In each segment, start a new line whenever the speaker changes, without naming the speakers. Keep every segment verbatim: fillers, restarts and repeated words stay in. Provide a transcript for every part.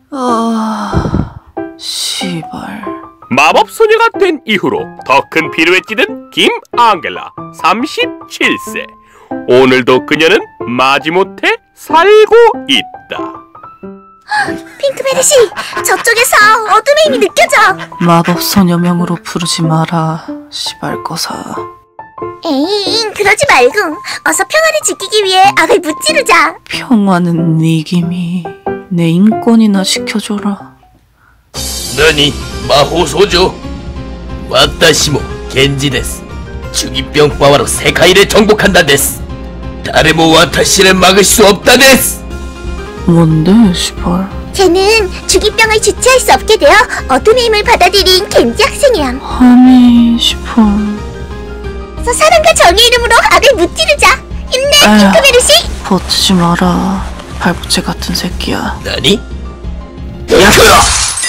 아... 시발...
마법소녀가 된 이후로 더 큰 피로에 찌든 김앙겔라 삼십칠 세. 오늘도 그녀는 마지못해 살고 있다.
핑크베리씨, 저쪽에서 어둠의 힘이 느껴져.
마법소녀명으로 부르지 마라, 시발거사.
에잉, 그러지 말고 어서 평화를 지키기 위해 악을 무찌르자.
평화는 네 김이 내 인권이나 지켜줘라.
너니 마호소조 와타시모 겐지 데스. 주기병 파워로 세카이를 정복한다 데스. 다레모 와타시를 막을 수 없다 데스.
뭔데, 시발?
쟤는 주기병을 주체할 수 없게 되어 어둠의 힘을 받아들인 겐지 학생이야.
아니, 시발...
서 사랑과 정의 이름으로 악을 무찌르자. 힘내, 핑크베리씨.
버티지 마라, 발부채 같은 새끼야.
너니?
야!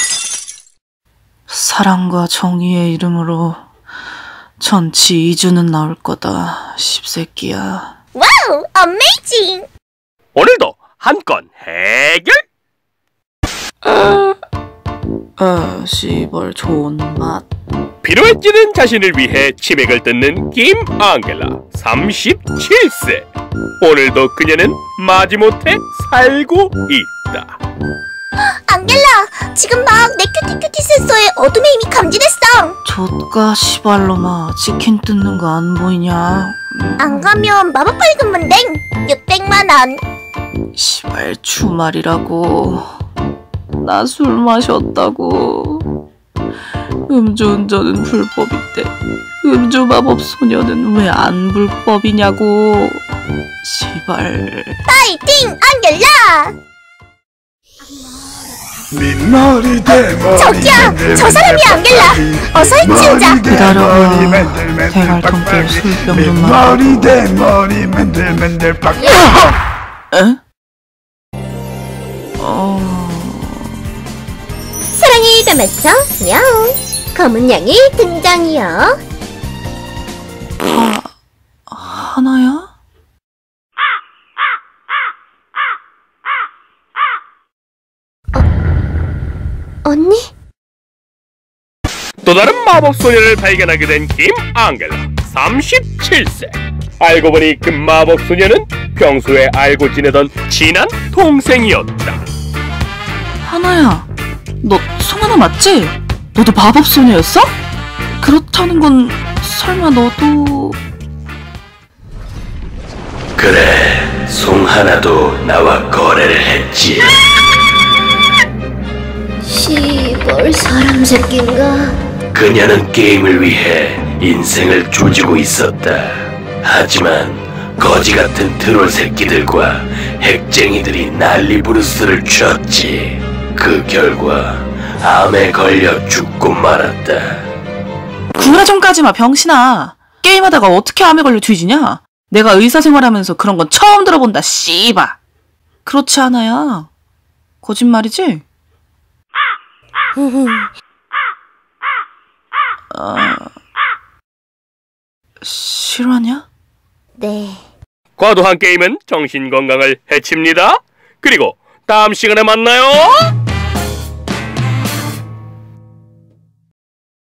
사랑과 정의의 이름으로 전치 이주는 나올 거다, 십새끼야.
와우, 어메이징!
오늘도 한 건 해결!
아, 아, 씨발 좋은 맛.
피로에 찌든 자신을 위해 치맥을 뜯는 김앙겔라 삼십칠 세. 오늘도 그녀는 마지못해 살고 있다.
앙겔라, 지금 막 내 큐티큐티 센서에 어둠의 힘이 감지됐어.
좆가 시발로마, 치킨 뜯는 거 안 보이냐? 음.
안 가면 마법 벌금은 땡 육백만 원.
시발 주말이라고. 나 술 마셨다고. 음주운전은 불법인데 음주 마법 소녀는 왜 안 불법이냐고. 시발.
파이팅, 앙겔라! 저기요! 저 사람이 앙겔라! 어서 해치우자!
기다려봐. 대갈통길 술병 좀 마시고. 에? 어...
사랑을 담았어, 야옹! 검은 양이 등장이요.
하... 하나야?
언니?
또 다른 마법소녀를 발견하게 된 김앙겔라 삼십칠 세. 알고 보니 그 마법소녀는 평소에 알고 지내던 친한 동생이었다.
하나야, 너 송하나 맞지? 너도 마법소녀였어? 그렇다는 건 설마 너도...
그래, 송하나도 나와 거래를 했지.
시벌 사람 새끼인가?
그녀는 게임을 위해 인생을 조지고 있었다. 하지만 거지 같은 트롤 새끼들과 핵쟁이들이 난리부르스를 쳤지. 그 결과 암에 걸려 죽고 말았다.
구라 좀 까지마, 병신아. 게임하다가 어떻게 암에 걸려 뒤지냐? 내가 의사생활하면서 그런 건 처음 들어본다, 씨바. 그렇지 않아야. 거짓말이지? 아... 실화냐?
네.
과도한 게임은 정신건강을 해칩니다. 그리고 다음 시간에 만나요.